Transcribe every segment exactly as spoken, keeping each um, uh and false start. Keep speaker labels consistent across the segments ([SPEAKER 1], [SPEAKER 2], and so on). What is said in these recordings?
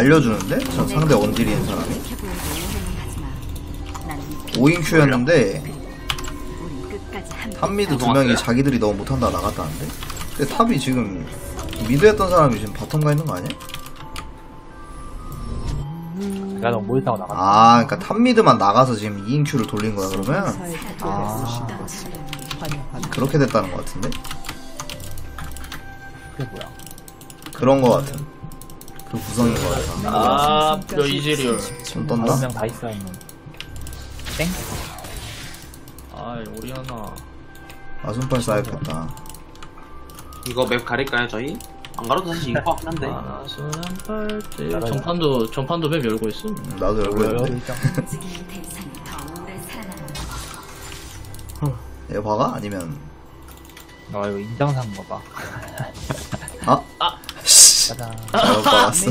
[SPEAKER 1] 알려주는데? 저 상대 원딜인 사람이 오인 큐였는데 탑미드 두 명이 자기들이 너무 못한다 나갔다는데? 근데 탑이 지금 미드 했던 사람이 지금 바텀 가 있는 거 아니야?
[SPEAKER 2] 내가 너무 못했다고 나갔다.
[SPEAKER 1] 아 그니까 탑미드만 나가서 지금 이인 큐를 돌린 거야 그러면?
[SPEAKER 2] 아,
[SPEAKER 1] 그렇게 됐다는 거 같은데?
[SPEAKER 2] 그게 뭐야?
[SPEAKER 1] 그런 거 같은 그 구성인 거 같아.
[SPEAKER 3] 아, 너 이즈리얼.
[SPEAKER 1] 좀
[SPEAKER 2] 다섯
[SPEAKER 1] 떤다?
[SPEAKER 2] 명 다 있어있는. 땡?
[SPEAKER 3] 아이, 오리아나.
[SPEAKER 1] 아순팔 쌓였겠다.
[SPEAKER 4] 이거 맵 가릴까요 저희? 안 가려도 사실 이거 같긴 한데.
[SPEAKER 3] 아, 순한팔찌. 전판도, 전판도 맵 열고 있어.
[SPEAKER 1] 음, 나도 열고 있는데. 얘 봐가? 아니면
[SPEAKER 2] 아, 이거 인장사인 거 봐.
[SPEAKER 1] 아?
[SPEAKER 3] 아!
[SPEAKER 2] 짜잔.
[SPEAKER 1] 잘못 봤어.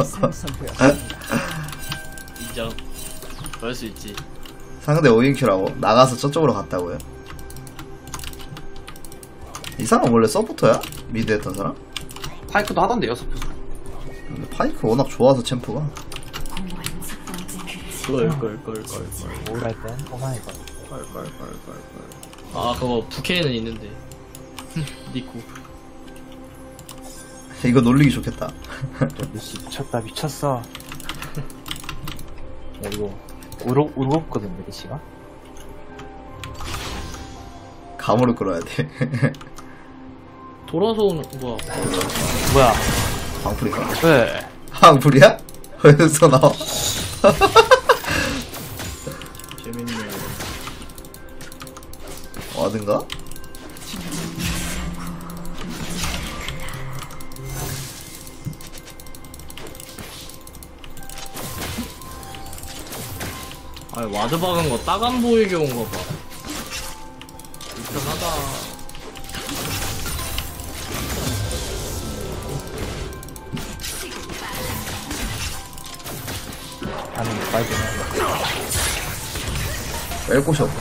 [SPEAKER 3] 인정. 그럴 수 있지.
[SPEAKER 1] 상대 오인 큐라고? 나가서 저쪽으로 갔다고요? 이 사람 원래 서포터야? 미드 했던 사람?
[SPEAKER 4] 파이크도 하던데요 서포트.
[SPEAKER 1] 근데 파이크 워낙 좋아서 챔프가.
[SPEAKER 3] 걸, 걸, 걸, 걸, 걸.
[SPEAKER 2] 뭐랄 땐 오마이 걸.
[SPEAKER 3] 걸, 걸, 걸, 걸, 걸. 아, 그거 부캐는 있는데. 니코.
[SPEAKER 1] 이거 놀리기 좋겠다.
[SPEAKER 2] 루시 미쳤다, 미쳤어. 야, 이거, 울어, 울었거든, 메리시가?
[SPEAKER 1] 감으로 끌어야 돼.
[SPEAKER 3] 돌아서 오는, 뭐야.
[SPEAKER 2] 뭐야?
[SPEAKER 1] 방풀이가?
[SPEAKER 2] 왜?
[SPEAKER 1] 방풀이야? 어디서 나와?
[SPEAKER 3] 재밌네.
[SPEAKER 1] 와든가?
[SPEAKER 3] 아니, 와드 박은 거 딱 안 보이게 온 거 봐. 불편하다.
[SPEAKER 2] 아니, 빨리 좀.
[SPEAKER 1] 뺄 곳이 없네.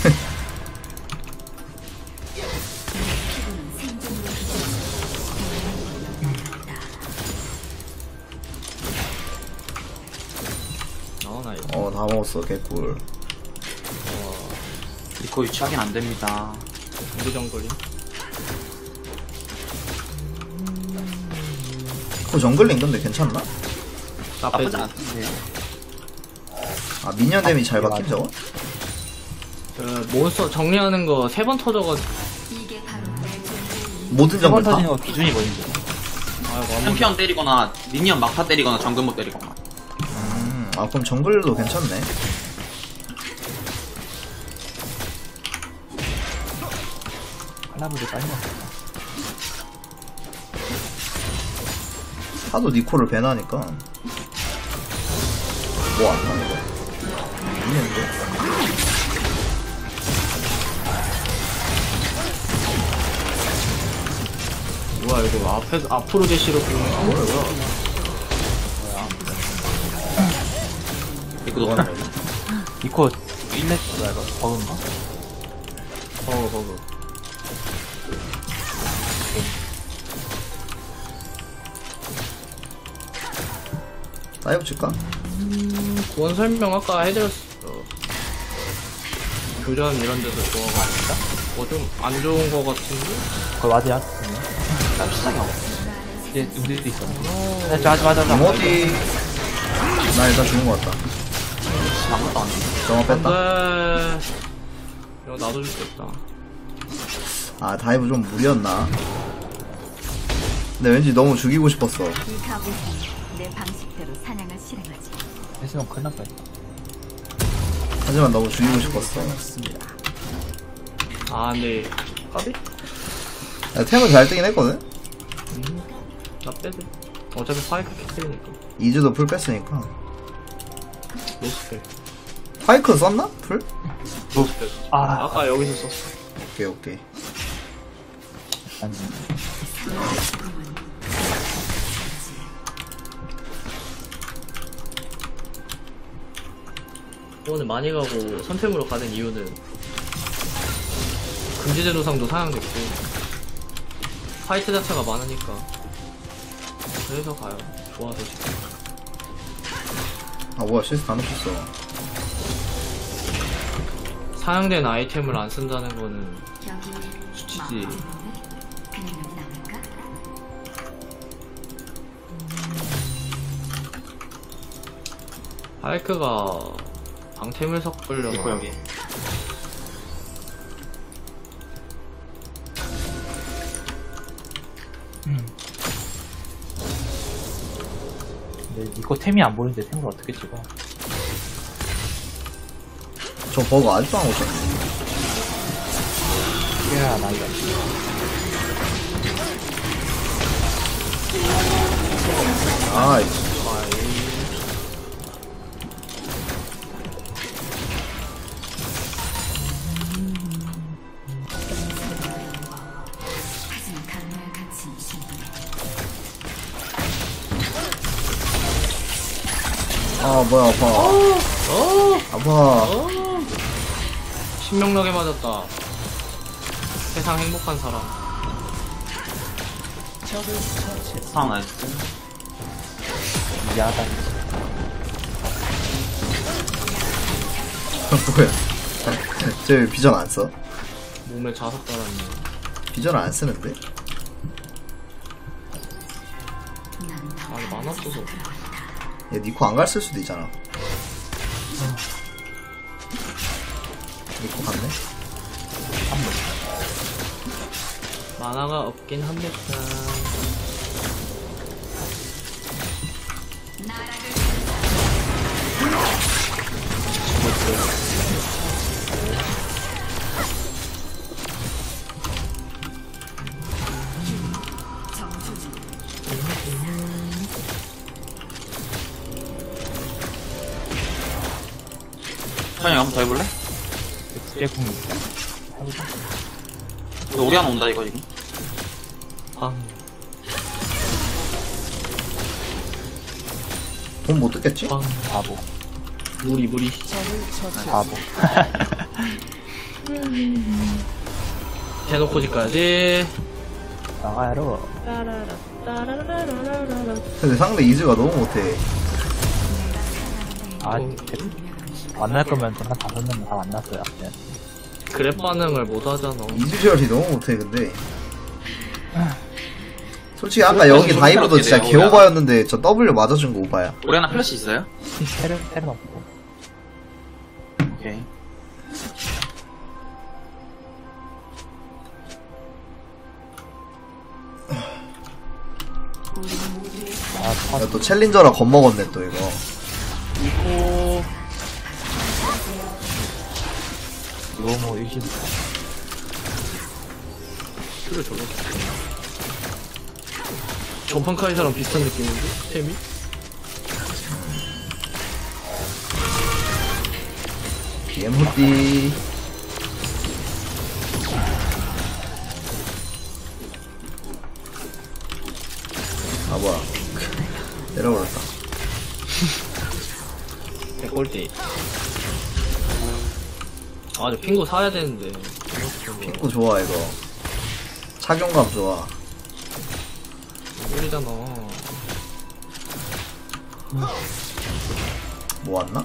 [SPEAKER 3] 나오나, 이거.
[SPEAKER 1] 어, 다 먹었어, 개꿀.
[SPEAKER 4] 이거 위치 확인 안 됩니다.
[SPEAKER 3] 우리 정글이.
[SPEAKER 1] 그 정글링 근데 괜찮나?
[SPEAKER 4] 나쁘지
[SPEAKER 3] 나쁘지.
[SPEAKER 4] 않던데.
[SPEAKER 1] 아, 미니언 데미 잘 박힌 저거?
[SPEAKER 3] 그, 몬스터 정리하는 거 세 번 터져가지고.
[SPEAKER 1] 모든
[SPEAKER 2] 세번
[SPEAKER 1] 정글 다?
[SPEAKER 2] 터지는 거 기준이 뭐인지.
[SPEAKER 3] 아이고, 아무
[SPEAKER 4] 챔피언 때리거나 미니언 막타 때리거나 정글 못 때리거나.
[SPEAKER 1] 음, 아, 그럼 정글도 괜찮네.
[SPEAKER 2] 할라브도 빨리 먹었다.
[SPEAKER 1] 하도 니코를 배나니까. 뭐 안 나는 거야? 있는데?
[SPEAKER 3] 뭐야, 이거 앞에, 앞으로 대시로 보는 거 뭐야?
[SPEAKER 4] 이거 너
[SPEAKER 2] 이코 일렉 뭐야 이거 버그인가?
[SPEAKER 3] 버그, 버그.
[SPEAKER 1] 다이브 칠까?
[SPEAKER 3] 구원 설명 아까 해드렸어. 교전 이런 데서 좋아가지고. 뭐 좀 안 좋은 거 같은데?
[SPEAKER 2] 그거 맞아야?
[SPEAKER 4] 난 수상이 없어.
[SPEAKER 2] 이제 우리도 있어. 네, 저 하지 마자.
[SPEAKER 1] 이모티. 나 일단 죽은 거 같다.
[SPEAKER 4] 아무것도 안 돼.
[SPEAKER 1] 정화
[SPEAKER 3] 안
[SPEAKER 1] 뺐다.
[SPEAKER 3] 돼. 이거 나도 죽겠다.
[SPEAKER 1] 아, 다이브 좀 무리였나? 근데 왠지 너무 죽이고 싶었어.
[SPEAKER 5] 이 가보는 내 방식대로 사냥을 실행하지.
[SPEAKER 2] 했으면 큰일 날 뻔했다.
[SPEAKER 1] 하지만 너무 죽이고 싶었어.
[SPEAKER 3] 아, 근데, 까비?
[SPEAKER 1] 야, 템은 잘 뜨긴 했거든?
[SPEAKER 3] 음, 나 빼도. 어차피 파이크 킥되니까.
[SPEAKER 1] 이즈도 풀 뺐으니까.
[SPEAKER 3] 노스펠.
[SPEAKER 1] 파이크 썼나? 풀?
[SPEAKER 3] 노스펠.
[SPEAKER 2] 아,
[SPEAKER 3] 아까 여기서 썼어.
[SPEAKER 1] 오케이, 오케이.
[SPEAKER 2] 아니.
[SPEAKER 3] 오늘 많이 가고 선템으로 가는 이유는 금지제 노상도 상향됐고 파이트 자체가 많으니까 그래서 가요. 좋아서 지금.
[SPEAKER 1] 아 뭐야 실수 다 놓쳤어.
[SPEAKER 3] 사용된 아이템을 안 쓴다는 거는
[SPEAKER 5] 여기
[SPEAKER 3] 수치지.
[SPEAKER 5] 그냥 나갈까?
[SPEAKER 3] 하이크가 방템을 섞으려나.
[SPEAKER 4] 있고 여기.
[SPEAKER 2] 근데 이거 템이 안 보이는데 템을 어떻게 찍어?
[SPEAKER 1] 저 버그 아직도 안 오셨네.
[SPEAKER 2] 이래야 나이가.
[SPEAKER 1] 아이씨.
[SPEAKER 5] 하지만 강렬한 가치 충분해.
[SPEAKER 1] 아 뭐야 아파.
[SPEAKER 3] 어!
[SPEAKER 1] 아파.
[SPEAKER 3] 어! 신명나게 맞았다. 세상 행복한 사람.
[SPEAKER 4] 상황 나이스.
[SPEAKER 2] 미안하다.
[SPEAKER 1] 뭐야. 쟤 비전 안 써?
[SPEAKER 3] 몸에 자석 달았네.
[SPEAKER 1] 비전 안 쓰는데?
[SPEAKER 3] 아니, 만화 없어서.
[SPEAKER 1] 얘 니코 안 갔을 수도 있잖아. 니코 갔네?
[SPEAKER 3] 만화가 없긴 합니다.
[SPEAKER 4] 현이 한번 더 해볼래?
[SPEAKER 2] 국제궁 있다. 해보자.
[SPEAKER 4] 이거 우리 하나 온다 이거 지금.
[SPEAKER 3] 아,
[SPEAKER 1] 돈 못 뜯겠지?
[SPEAKER 3] 빵.
[SPEAKER 2] 바보.
[SPEAKER 3] 무리, 무리.
[SPEAKER 2] 바보.
[SPEAKER 3] 대놓고 집까지.
[SPEAKER 2] 나가야로.
[SPEAKER 1] 근데 상대 이즈가 너무 못해.
[SPEAKER 2] 아, 그- 만날 거면 한 다섯 명 다 만났어요. 네.
[SPEAKER 3] 그랩 반응을 못 하잖아.
[SPEAKER 1] 이즈 셜이 너무 못해 근데. 솔직히 아까 여기 다이브도 진짜 개오바였는데 저 W 맞아준 거 오바야.
[SPEAKER 4] 우리 하나 플래시 있어요?
[SPEAKER 2] 테를, 테를 없고.
[SPEAKER 4] 오케이.
[SPEAKER 2] 아,
[SPEAKER 1] 야, 또 챌린저라 겁먹었네 또 이거.
[SPEAKER 3] 이거,
[SPEAKER 2] 너무 의심.
[SPEAKER 3] 그래, 저거. 전판 카이사랑 비슷한 느낌인데? 템이?
[SPEAKER 1] 예무띠. 아 뭐야. 내려버렸다.
[SPEAKER 3] 백골대. 아, 저 핑구 사야 되는데.
[SPEAKER 1] 핑크 좋아 이거. 착용감 좋아.
[SPEAKER 3] 꿀이잖아.
[SPEAKER 1] 뭐 왔나?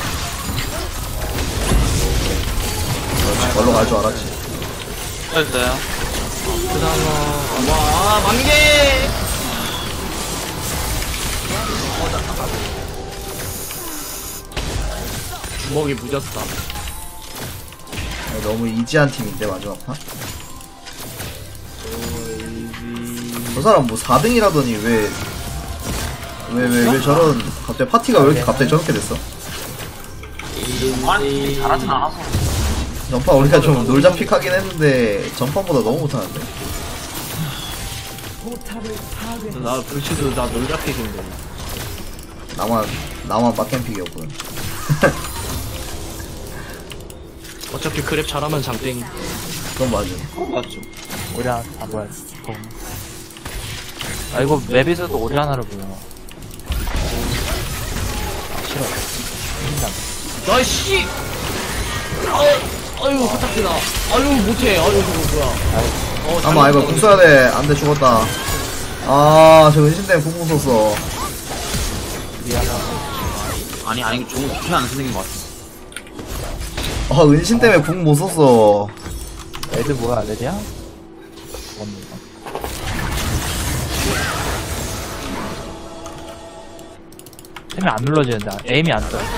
[SPEAKER 1] 그렇지, 걸로 갈 줄 알았지.
[SPEAKER 4] 됐어요.
[SPEAKER 3] 그다음에, 와, 만개! 주먹이 무졌다.
[SPEAKER 1] 아니, 너무 이지한 팀인데 마지막 판? 저 사람 뭐 사 등이라더니 왜 왜 왜 왜 저런 갑자기 파티가 왜 이렇게 갑자기 저렇게 됐어?
[SPEAKER 4] 아니 잘하진 않아서.
[SPEAKER 1] 전판 우리가 좀 놀자 픽하긴 했는데 전판보다 너무 못하는데.
[SPEAKER 3] 나 불치도 나 놀자픽인데.
[SPEAKER 1] 나만 나만 빡겜픽이었군.
[SPEAKER 3] 어차피 그랩 잘하면 장땡이.
[SPEAKER 1] 그건 맞음.
[SPEAKER 4] 맞죠.
[SPEAKER 2] 오리 하나 다 보야 돼. 아, 이거 맵에서도 오리 하나를 보여. 아, 싫어. 힘나.
[SPEAKER 3] 나이씨! 아, 아유, 화딱지나. 아유, 못해. 아유, 저거 뭐야. 어,
[SPEAKER 1] 아마 이거 궁 써야 돼. 안돼 죽었다. 아, 저 은신 때문에 궁 썼어.
[SPEAKER 2] 오리 하나.
[SPEAKER 4] 아니 아니 좋은 좋지 않은 선생인 것 같아.
[SPEAKER 1] 아 은신 때문에 궁 못 썼어.
[SPEAKER 2] 애들 뭐야, 레디야? 뭔 템이 안 눌러지는데, 에임이 안 떠.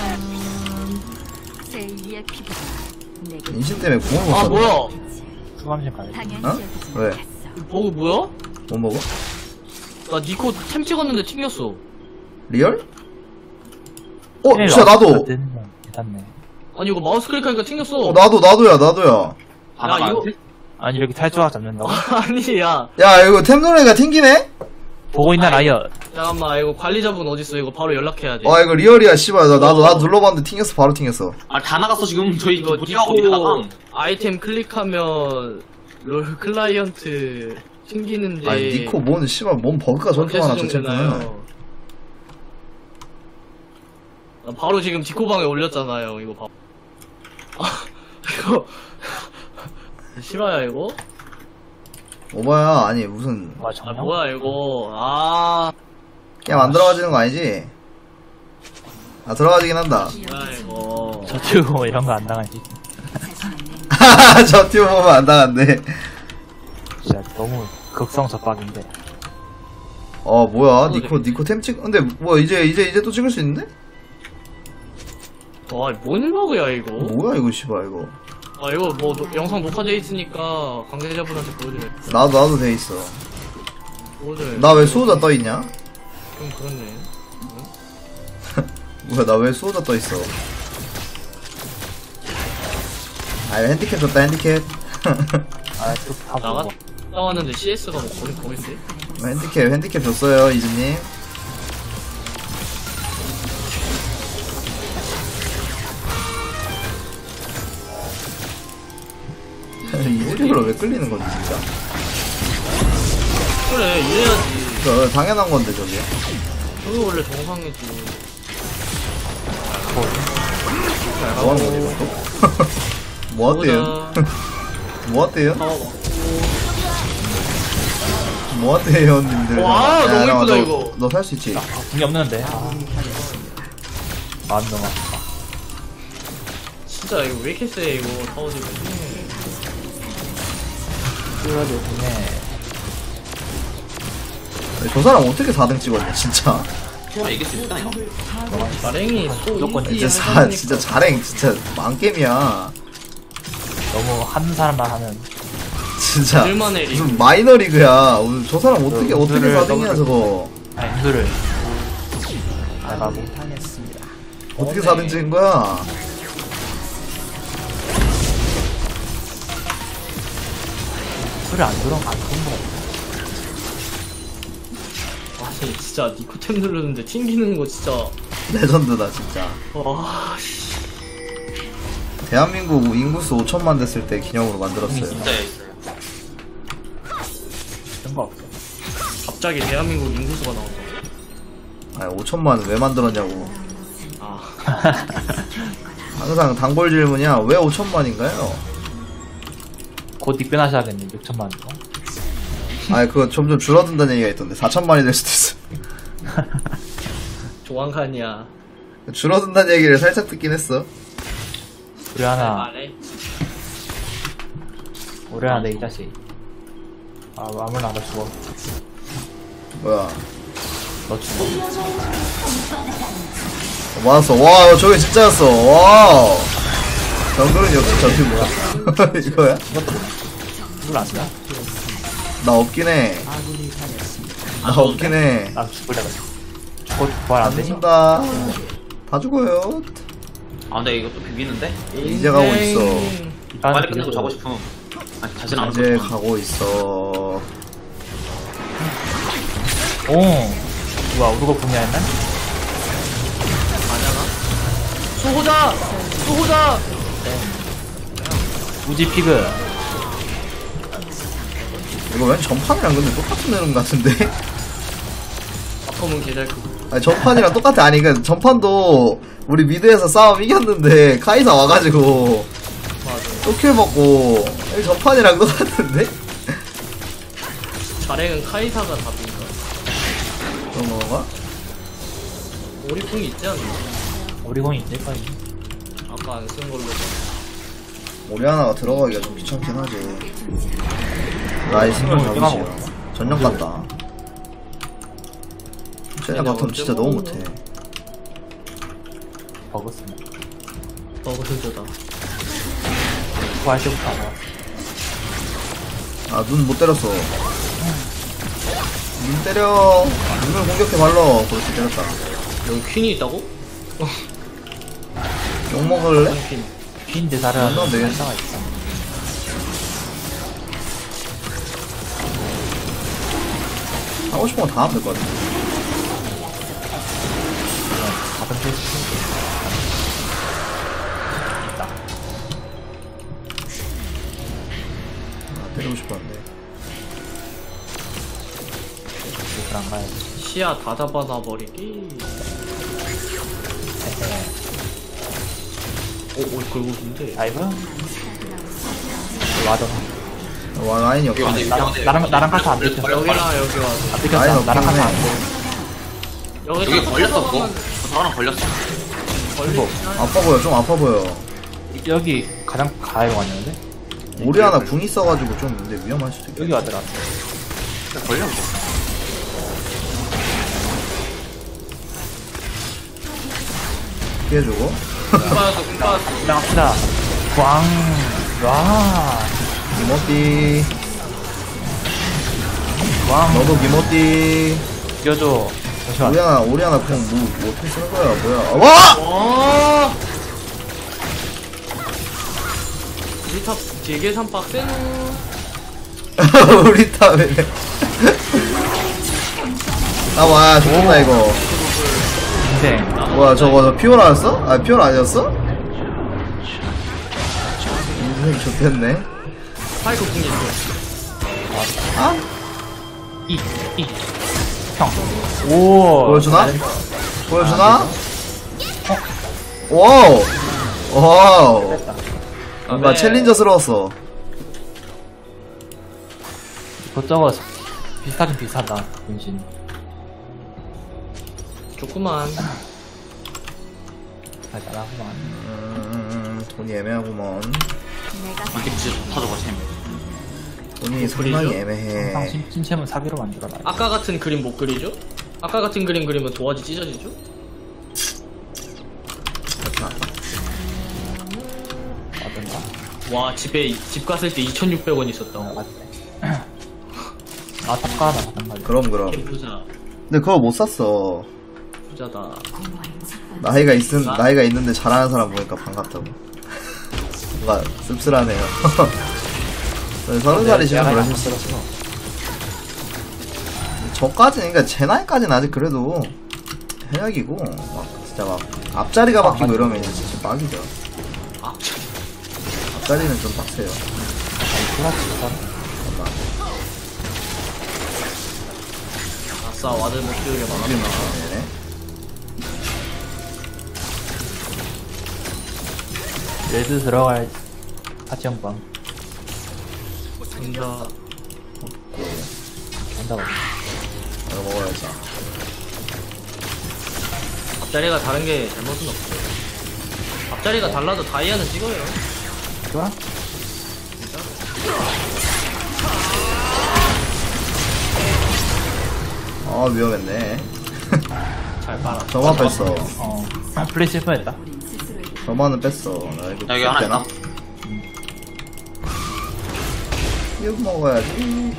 [SPEAKER 5] 제이의 피부가 내게
[SPEAKER 1] 은신 때문에 궁을 못
[SPEAKER 3] 아
[SPEAKER 1] 썼네.
[SPEAKER 3] 뭐야?
[SPEAKER 2] 수감실 가야 돼.
[SPEAKER 5] 당연히
[SPEAKER 1] 어?
[SPEAKER 5] 여기지
[SPEAKER 1] 왜?
[SPEAKER 5] 못했어.
[SPEAKER 3] 버그 뭐야?
[SPEAKER 1] 못 먹어?
[SPEAKER 3] 나 니코 템 찍었는데 튕겼어.
[SPEAKER 1] 리얼? 어 진짜 나도.
[SPEAKER 2] 괜찮네.
[SPEAKER 3] 아니 이거 마우스 클릭하니까 튕겼어.
[SPEAKER 1] 어 나도 나도야 나도야.
[SPEAKER 4] 하나가
[SPEAKER 3] 이거-
[SPEAKER 4] 안 돼?
[SPEAKER 2] 아니, 이렇게 탈주가 잡는다고?
[SPEAKER 3] 아니 야
[SPEAKER 1] 야 이거 템노래가 튕기네?
[SPEAKER 2] 보고 있나, 라이어?
[SPEAKER 3] 잠깐만 이거 관리자분 어딨어? 이거 바로 연락해야 돼.
[SPEAKER 1] 와 이거 리얼이야 씨발. 나, 나도 나도 눌러봤는데 튕겼어. 바로 튕겼어.
[SPEAKER 4] 아 다 나갔어 지금 저희
[SPEAKER 3] 이거
[SPEAKER 4] 무리하고
[SPEAKER 3] 니코
[SPEAKER 4] 있다가
[SPEAKER 3] 아이템 클릭하면 롤 클라이언트 튕기는데.
[SPEAKER 1] 아니 니코 뭔 씨발 뭔 버그가 저렇게 많아 저
[SPEAKER 3] 언제
[SPEAKER 1] 챔프는.
[SPEAKER 3] 수정되나요? 나 바로 지금 디코방에 올렸잖아요. 이거 봐. 아 이거 실화야 이거?
[SPEAKER 1] 오바야 아니 무슨
[SPEAKER 2] 와,
[SPEAKER 3] 아
[SPEAKER 2] 정말?
[SPEAKER 3] 뭐야 이거? 아
[SPEAKER 1] 게임 안 들어가지는 거 아니지? 아 들어가지긴 한다.
[SPEAKER 3] 뭐야 이거?
[SPEAKER 2] 저튜브 이런 거 안 당하지.
[SPEAKER 1] 저 튜브 보면 안 당한대.
[SPEAKER 2] 진짜 너무 극성접박인데.
[SPEAKER 1] 어 뭐야 니코 니코 템 찍. 근데 뭐 이제 이제 이제 또 찍을 수 있는데?
[SPEAKER 3] 와뭔 버그야 이거?
[SPEAKER 1] 뭐야 이거 씨발 이거.
[SPEAKER 3] 아 이거 뭐 노- 영상 녹화돼 있으니까 관계자분한테 보여드려.
[SPEAKER 1] 나도 나도 돼 있어.
[SPEAKER 3] 보여드려.
[SPEAKER 1] 나 왜 수호자 떠 있냐?
[SPEAKER 3] 좀 그렇네.
[SPEAKER 1] 뭐야 나 왜 수호자 떠 있어? 아 핸디캡 줬다 핸디캡.
[SPEAKER 2] 아, 또다
[SPEAKER 3] 나가
[SPEAKER 2] 보고.
[SPEAKER 3] 나왔는데 씨에스가 뭐 거기 거긴데?
[SPEAKER 1] 핸디캡 핸디캡 줬어요 이즈님. 이즈리로 왜 끌리는 건지 진짜.
[SPEAKER 3] 그래 이래야지.
[SPEAKER 1] 저 당연한 건데 저게.
[SPEAKER 3] 저게 원래 정상이지.
[SPEAKER 1] 뭐 하는 거지 이것도? 뭐 어때요? 뭐 어때요?
[SPEAKER 3] 어,
[SPEAKER 1] 뭐 어때요 님들?
[SPEAKER 3] 와, 너무
[SPEAKER 1] 야,
[SPEAKER 3] 이쁘다,
[SPEAKER 1] 너,
[SPEAKER 3] 이거.
[SPEAKER 1] 너 살 수 있지?
[SPEAKER 2] 궁이 없는데. 아. 마음 너무 아프다.
[SPEAKER 3] 진짜 이거 왜 이렇게 세 이거 타워지고.
[SPEAKER 2] 그래도 궁에.
[SPEAKER 1] 저 사람 어떻게 사 등 찍었냐 진짜.
[SPEAKER 4] 아 이길 수 있다 이거.
[SPEAKER 3] 나랭이 소
[SPEAKER 2] 무조건
[SPEAKER 3] 이지
[SPEAKER 1] 진짜 사 진짜 자랭 진짜 망겜이야.
[SPEAKER 2] 너무 한 사람만 하는.
[SPEAKER 1] 진짜
[SPEAKER 3] 들만의 리그.
[SPEAKER 1] 무슨 마이너 리그야. 오늘 저 사람 어떻게
[SPEAKER 2] 그,
[SPEAKER 1] 어떻게
[SPEAKER 2] 그를
[SPEAKER 1] 사 등이야
[SPEAKER 2] 너무-
[SPEAKER 1] 저거.
[SPEAKER 2] 아, 인수를. 나가고.
[SPEAKER 1] 어떻게 사 등 찍은 거야?
[SPEAKER 2] 술을 안 들어간 안 좋은 거
[SPEAKER 3] 아니 진짜 니코템 누르는데 튕기는 거 진짜.
[SPEAKER 1] 레전드다 진짜.
[SPEAKER 3] 와 씨.
[SPEAKER 1] 대한민국 인구수 오천만 됐을 때 기념으로 만들었어요.
[SPEAKER 4] 진짜 있어요.
[SPEAKER 2] 같은 거 없어.
[SPEAKER 3] 갑자기 대한민국 인구수가 나온다.
[SPEAKER 1] 아니 오천만 왜 만들었냐고.
[SPEAKER 3] 아
[SPEAKER 1] 항상 단골 질문이야. 왜 오천만인가요?
[SPEAKER 2] 곧 입변하셔야겠네, 육천만 원.
[SPEAKER 1] 아니 그거 점점 줄어든다는 얘기가 있던데 사천만이 될 수도 있어.
[SPEAKER 3] 조만간이야.
[SPEAKER 1] 줄어든다는 얘기를 살짝 듣긴 했어.
[SPEAKER 2] 우리 하나,
[SPEAKER 3] 말해.
[SPEAKER 2] 우리 하나 내 이 자식. 아, 아무나 안 죽어.
[SPEAKER 1] 뭐야.
[SPEAKER 2] 너 죽어.
[SPEAKER 1] 어, 맞았어. 와 저게 진짜였어. 와우. 정글은 역시 저기 뭐야. 이거야?
[SPEAKER 2] 누굴 안 돼?
[SPEAKER 1] 나 없긴 해. 나 없긴 해.
[SPEAKER 2] 나 죽을래, 가지고. 죽어, 부활 안 되지?
[SPEAKER 1] 죽는다. 다 죽어요.
[SPEAKER 4] 아 근데 이거 또 비비는데?
[SPEAKER 1] 이제 가고 있어.
[SPEAKER 4] 빨리 끝내고 자고 싶음. 아니 자신 안
[SPEAKER 1] 이제
[SPEAKER 4] 오고
[SPEAKER 1] 가고 있어.
[SPEAKER 2] 오. 뭐야, 우르고 분야 했나?
[SPEAKER 3] 아냐가? 수호자! 수호자!
[SPEAKER 2] 우지 피그.
[SPEAKER 1] 이거 왠 전판이랑 근데 똑같은 내용 같은데?
[SPEAKER 3] 바텀은 개잘 크고.
[SPEAKER 1] 아니 전판이랑 똑같아. 아니 그 전판도 우리 미드에서 싸움 이겼는데 카이사 와가지고
[SPEAKER 3] 맞아.
[SPEAKER 1] 또킬 먹고 여기 전판이랑 똑같은데?
[SPEAKER 3] 자랭은 카이사가 답인가?
[SPEAKER 1] 그런 건가?
[SPEAKER 3] 오리풍이 있지 않나?
[SPEAKER 2] 우리 공이 있을 거야.
[SPEAKER 3] 아까 안 쓴 걸로.
[SPEAKER 1] 오리아나가 들어가기가 좀 귀찮긴 하지. 나이 스물 잡으시오. 전력 간다. 쟤네 바텀 진짜 너무 못해.
[SPEAKER 2] 버그스네.
[SPEAKER 3] 버그 슬저다.
[SPEAKER 2] 구할 때부터 안 와.
[SPEAKER 1] 아, 눈 못 때렸어. 눈 때려. 눈을 공격해 발로. 그렇지, 때렸다.
[SPEAKER 3] 여기 퀸이 있다고?
[SPEAKER 1] 욕 먹을래?
[SPEAKER 3] 퀸.
[SPEAKER 2] 빈 대사를
[SPEAKER 1] 안 나오면 되겠네.
[SPEAKER 2] 활성화 있어.
[SPEAKER 1] 하고 싶은 거 다 하면 될 것 같아.
[SPEAKER 2] 가끔 필수.
[SPEAKER 1] 아, 때리고 싶었는데.
[SPEAKER 2] 그안 가야지.
[SPEAKER 3] 시야 다 잡아놔 버리기. 오, 오, 긁어준데.
[SPEAKER 2] 다이브? 와도.
[SPEAKER 1] 와, 라인이
[SPEAKER 4] 여기
[SPEAKER 1] 없네.
[SPEAKER 4] 왔네.
[SPEAKER 2] 나랑, 나랑, 나랑 카트 안 들켰어.
[SPEAKER 3] 여기랑 여기 와서.
[SPEAKER 2] 안 들켰어.
[SPEAKER 1] 라인
[SPEAKER 2] 나랑 카트 안
[SPEAKER 1] 없네.
[SPEAKER 2] 들켰어.
[SPEAKER 3] 여기
[SPEAKER 4] 여기
[SPEAKER 3] 딱
[SPEAKER 4] 걸렸었고.
[SPEAKER 3] 들어가면
[SPEAKER 4] 저랑 걸렸어.
[SPEAKER 3] 걸리지.
[SPEAKER 1] 아파 보여, 좀 아파 보여.
[SPEAKER 2] 여기 가장 가까이 왔는데?
[SPEAKER 1] 오리아나 궁 있어가지고 좀 근데 위험할 수도 있겠다.
[SPEAKER 2] 여기 와더라.
[SPEAKER 4] 걸렸어.
[SPEAKER 1] 피해주고.
[SPEAKER 3] 금빠졌어, 금빠졌어.
[SPEAKER 2] 나갑시다. 광, 와,
[SPEAKER 1] 기모띠.
[SPEAKER 2] 광,
[SPEAKER 1] 너도 기모띠.
[SPEAKER 2] 이겨줘. 잠시만.
[SPEAKER 1] 오리아나, 오리아나 궁 뭐, 뭐 어떻게 쓰는 거야, 뭐야. 와!
[SPEAKER 3] 와! 우리 탑 되게 산 빡세누.
[SPEAKER 1] 우리 탑에. 아, 와, 좋다, 이거.
[SPEAKER 2] 인생.
[SPEAKER 1] 뭐야, 저거, 저 피오라였어? 아, 피오라 아니었어? 인생 좋겠네.
[SPEAKER 3] 파이크 궁이 있어.
[SPEAKER 1] 아?
[SPEAKER 2] 이, 이. 형. 오.
[SPEAKER 1] 보여주나?
[SPEAKER 2] 잘했어.
[SPEAKER 1] 보여주나? 와우! 와우!
[SPEAKER 2] 됐다.
[SPEAKER 1] 뭔가
[SPEAKER 3] 네.
[SPEAKER 1] 챌린저스러웠어.
[SPEAKER 2] 이것저것 비슷하긴 비슷하다. 분신.
[SPEAKER 3] 좋구만.
[SPEAKER 2] 잘 따라하구만.
[SPEAKER 1] 음, 돈이 애매하구먼.
[SPEAKER 5] 내가
[SPEAKER 4] 이렇게 진짜 좋다 저거 템.
[SPEAKER 1] 돈이 상당히 애매해.
[SPEAKER 2] 항상 신- 신체문 사기로 만들어놔.
[SPEAKER 3] 아까 같은 그림 못 그리죠? 아까 같은 그림 그리면 도화지 찢어지죠?
[SPEAKER 2] 어떤가?
[SPEAKER 3] 와, 집에, 집 갔을 때 이천육백 원 있었다.
[SPEAKER 2] 맞네. 아, 탑가나 마찬가지.
[SPEAKER 1] 그럼, 그럼.
[SPEAKER 3] 부자.
[SPEAKER 1] 근데 그거 못 샀어.
[SPEAKER 3] 부자다.
[SPEAKER 1] 나이가 있은, 나이가 있는데 잘하는 사람 보니까 반갑다고. 뭔가 씁쓸하네요. 서른 살이시면
[SPEAKER 2] 내가
[SPEAKER 1] 그러실 수 있어. 저까지는, 그니까 제 나이까지는 아직 그래도 해약이고, 막, 진짜 막, 앞자리가 바뀌고 이러면 이제 진짜 빡이죠.
[SPEAKER 3] 아,
[SPEAKER 1] 앞자리는 좀 빡세요.
[SPEAKER 2] 그렇지,
[SPEAKER 1] 잠깐만.
[SPEAKER 3] 아싸, 와들 못 키우게 막았다.
[SPEAKER 1] 네.
[SPEAKER 2] 레드 들어갈 파티 형방.
[SPEAKER 3] 간다.
[SPEAKER 2] 간다고.
[SPEAKER 1] 이거 먹어야지.
[SPEAKER 3] 앞자리가 다른 게 잘못은 없어. 앞자리가 달라도 다이아는 찍어요.
[SPEAKER 2] 좋아?
[SPEAKER 1] 아, 위험했네.
[SPEAKER 3] 잘 빨아.
[SPEAKER 1] 저만 뺐어.
[SPEAKER 2] 어. 아, 플레이 실패했다.
[SPEAKER 1] 저만은 뺐어. 나 이거
[SPEAKER 4] 여기 하나
[SPEAKER 1] 되나?
[SPEAKER 4] 있다.
[SPEAKER 1] 이거 먹어야지.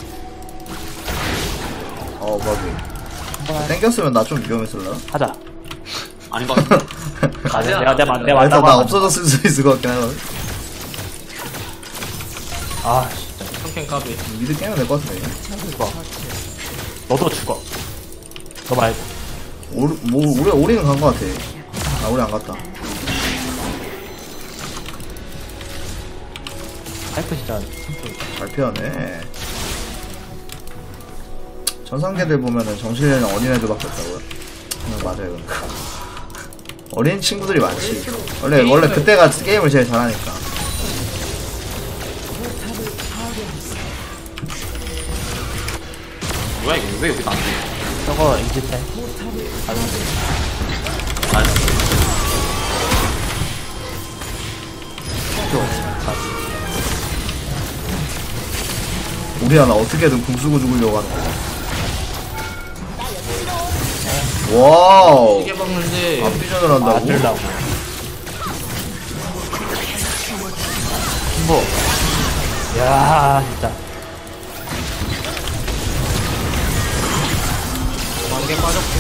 [SPEAKER 1] 어, 버기. 땡겼으면 나 좀 위험했을라.
[SPEAKER 2] 하자.
[SPEAKER 4] 아닌 것 같은데.
[SPEAKER 2] 아, 내가, 내가, 내가, 내가
[SPEAKER 1] 그래서
[SPEAKER 2] 왔다고
[SPEAKER 1] 나
[SPEAKER 2] 하면-
[SPEAKER 1] 없어졌을 수 있을 것 같긴 하거든.
[SPEAKER 2] 아, 진짜.
[SPEAKER 3] 평캔 까비.
[SPEAKER 1] 미드 깨면 될 것 같은데.
[SPEAKER 2] 죽어. 너도 죽어. 너 말고.
[SPEAKER 1] 오, 뭐, 우리, 우리는 간 것 같아. 아, 우리 안 갔다.
[SPEAKER 2] 파이프 진짜 simple.
[SPEAKER 1] 잘 피하네. 전상계들 보면은 정신에는 어린애들밖에 없다고요? 응, 맞아요. 어린 친구들이 많지. 원래, 원래 그때가 게임을 제일 잘하니까.
[SPEAKER 4] 뭐야 이거 왜 여기도 안 돼?
[SPEAKER 2] 저거 이집해.
[SPEAKER 4] 아,
[SPEAKER 2] 좀.
[SPEAKER 1] 우리 하나 어떻게든 궁 쓰고 죽으려고 하는 거야. 와우.
[SPEAKER 3] 이게 박는데
[SPEAKER 1] 앞비전을
[SPEAKER 2] 아,
[SPEAKER 1] 한다고?
[SPEAKER 2] 들라고. 뭐. 야, 진짜.
[SPEAKER 3] 만개 빠졌고.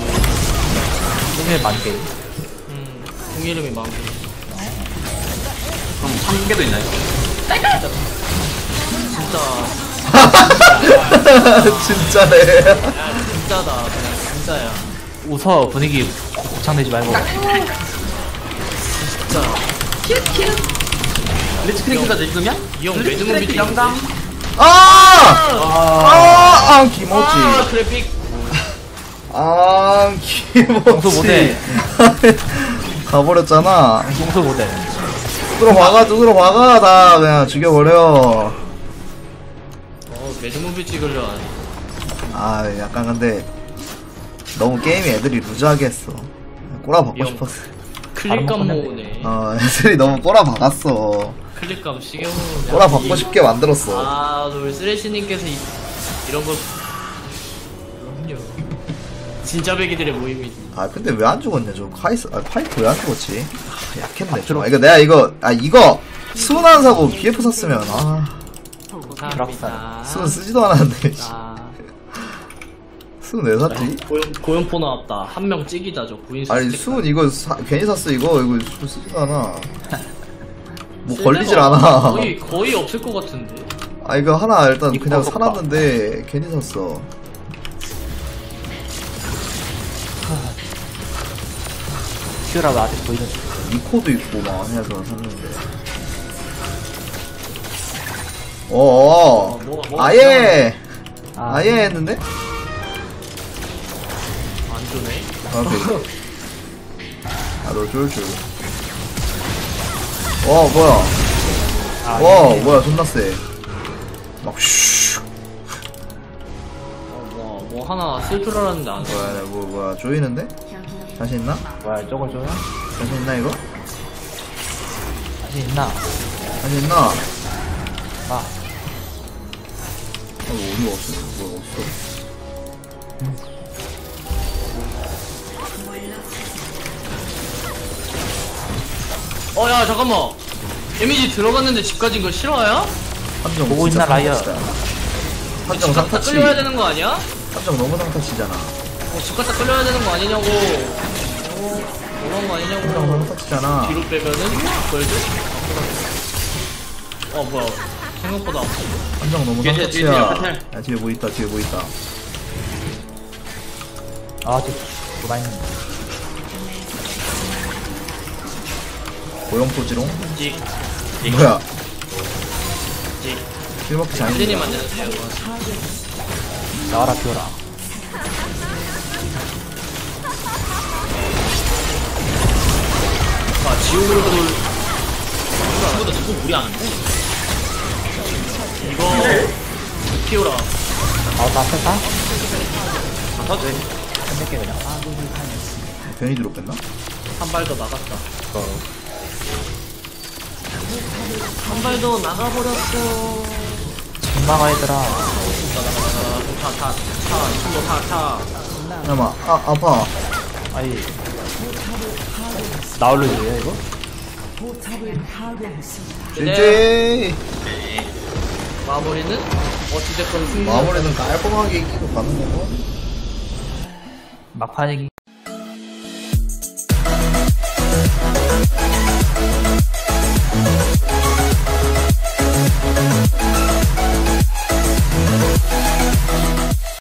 [SPEAKER 2] 꿈에 만개.
[SPEAKER 3] 음, 공 이름이 만개.
[SPEAKER 4] 그럼 천 개도 있나요?
[SPEAKER 3] 진짜,
[SPEAKER 1] 진짜네.
[SPEAKER 3] 야, 진짜다. 그냥 진짜야.
[SPEAKER 2] 웃어, 분위기 곱창내지 말고.
[SPEAKER 3] 진짜.
[SPEAKER 4] 리치크링크까지 읽으면?
[SPEAKER 3] 이 형 매드무비 중
[SPEAKER 4] 영감?
[SPEAKER 1] 아! 아! 아! 김오찌.
[SPEAKER 3] 아, 그래픽.
[SPEAKER 1] 아,
[SPEAKER 2] 용서 못해.
[SPEAKER 1] 김오찌. 가버렸잖아.
[SPEAKER 2] 용서 못해.
[SPEAKER 1] 뚜드러 박아, 뚜드러 박아. 다 그냥 죽여버려.
[SPEAKER 3] 어, 매드무비 찍으려 하네.
[SPEAKER 1] 아, 약간 근데 너무 게임이 애들이 루즈하게 했어. 꼬라 박고
[SPEAKER 3] 형.
[SPEAKER 1] 싶었어.
[SPEAKER 3] 클릭감
[SPEAKER 2] 다른
[SPEAKER 3] 모으네.
[SPEAKER 1] 어, 애들이 너무 꼬라 박았어.
[SPEAKER 3] 클릭감 시계 모으네.
[SPEAKER 1] 꼬라 박고 싶게 만들었어.
[SPEAKER 3] 아, 우리 쓰레쉬님께서 이, 이런 거. 그럼요. 진짜 배기들의 모임이지.
[SPEAKER 1] 아, 근데 왜 안 죽었냐, 저 카이스, 아, 파이프 왜 안 죽었지? 아, 약했네, 좀. 아, 이거 내가 이거, 아, 이거, 수은 안 사고 비에프 샀으면, 아,
[SPEAKER 3] 감사합니다.
[SPEAKER 1] 수은 쓰지도 않았는데, 씨.
[SPEAKER 3] 아,
[SPEAKER 1] 수은 왜 샀지?
[SPEAKER 3] 고연, 고연포 나왔다. 한 명 찍이다죠. 구인수
[SPEAKER 1] 아니,
[SPEAKER 3] 스택.
[SPEAKER 1] 수은 이거 사, 괜히 샀어, 이거. 이거 수은 쓰지도 않아. 뭐
[SPEAKER 3] 쓸
[SPEAKER 1] 걸리질
[SPEAKER 3] 데가
[SPEAKER 1] 않아.
[SPEAKER 3] 거의, 거의 없을 것 같은데.
[SPEAKER 1] 아, 이거 하나 일단
[SPEAKER 2] 이거
[SPEAKER 1] 그냥
[SPEAKER 2] 봐.
[SPEAKER 1] 사놨는데, 괜히 샀어.
[SPEAKER 2] 큐라가 아직 보이는.
[SPEAKER 1] 이코도 있고 막 해서 샀는데. 어어.
[SPEAKER 3] 어, 뭐가- 뭐가
[SPEAKER 1] 아예!
[SPEAKER 2] 아,
[SPEAKER 1] 아예 했는데?
[SPEAKER 3] 안 좋네.
[SPEAKER 1] 아, 오케이. 아, 너 쫄줄. 와, 뭐야.
[SPEAKER 2] 아,
[SPEAKER 1] 와,
[SPEAKER 2] 이게
[SPEAKER 1] 뭐야, 존나 세. 막, 슈.
[SPEAKER 3] 어, 뭐, 뭐 하나 쓸 줄 알았는데 안 써.
[SPEAKER 1] 뭐야, 뭐, 뭐야, 조이는데? 자신 있나?
[SPEAKER 2] 뭐야, 저걸 줘요?
[SPEAKER 1] 자신 있나, 이거?
[SPEAKER 2] 자신 있나?
[SPEAKER 1] 자신 있나? 아,
[SPEAKER 2] 아,
[SPEAKER 1] 뭐, 어디가 없어? 뭐야, 없어.
[SPEAKER 3] 어, 야, 잠깐만. 데미지 들어갔는데 집 가진 거 실화야?
[SPEAKER 1] 한정
[SPEAKER 2] 보고
[SPEAKER 1] 진짜
[SPEAKER 2] 있나, 라이어?
[SPEAKER 1] 상타치다. 한정
[SPEAKER 3] 집 갔다
[SPEAKER 1] 상타치.
[SPEAKER 3] 끌려야 되는 거 아니야?
[SPEAKER 1] 한정 너무 상타치잖아.
[SPEAKER 3] 어, 집 갔다 끌려야 되는 거 아니냐고. 어, 그런 거
[SPEAKER 1] 한정
[SPEAKER 3] 아니냐고.
[SPEAKER 1] 상타치잖아.
[SPEAKER 3] 뒤로 빼면은 걸드? 어, 뭐야. 생각보다 아프네.
[SPEAKER 1] 한정 너무
[SPEAKER 4] 뒤에, 뒤에, 뒤에,
[SPEAKER 1] 상타치야.
[SPEAKER 4] 뒤에.
[SPEAKER 1] 야, 뒤에 뭐 있다, 뒤에 뭐 있다.
[SPEAKER 2] 아, 저, 뭐가 있는데.
[SPEAKER 1] 고용포지롱?
[SPEAKER 3] 찍,
[SPEAKER 1] 뭐야,
[SPEAKER 3] 찍.
[SPEAKER 1] 실먹기
[SPEAKER 3] 혜진이
[SPEAKER 1] 장인이야.
[SPEAKER 3] 만드는 거.
[SPEAKER 2] 나와라, 큐라.
[SPEAKER 3] 아, 지옥으로 돌. 이거보다 자꾸 무리 안 한대. 이거, 피오라.
[SPEAKER 2] 아, 나 뺐다?
[SPEAKER 4] 안 타도 돼.
[SPEAKER 2] 끝낼게, 그냥.
[SPEAKER 1] 괜히 뒤로 뺐나?
[SPEAKER 3] 한 발 더 나갔다. 한 발 더 나가버렸어.
[SPEAKER 2] 전망아, 얘들아.
[SPEAKER 3] 나가, 나가, 나가. 타, 타, 타. 이거 타, 타.
[SPEAKER 1] 잠깐만, 아, 아파.
[SPEAKER 2] 아니. 나올려줘요, 이거?
[SPEAKER 1] 제제
[SPEAKER 3] 마무리는 어찌됐건 승리.
[SPEAKER 1] 마무리는 깔끔하게 이기고 가는 거고.
[SPEAKER 2] 막판이기.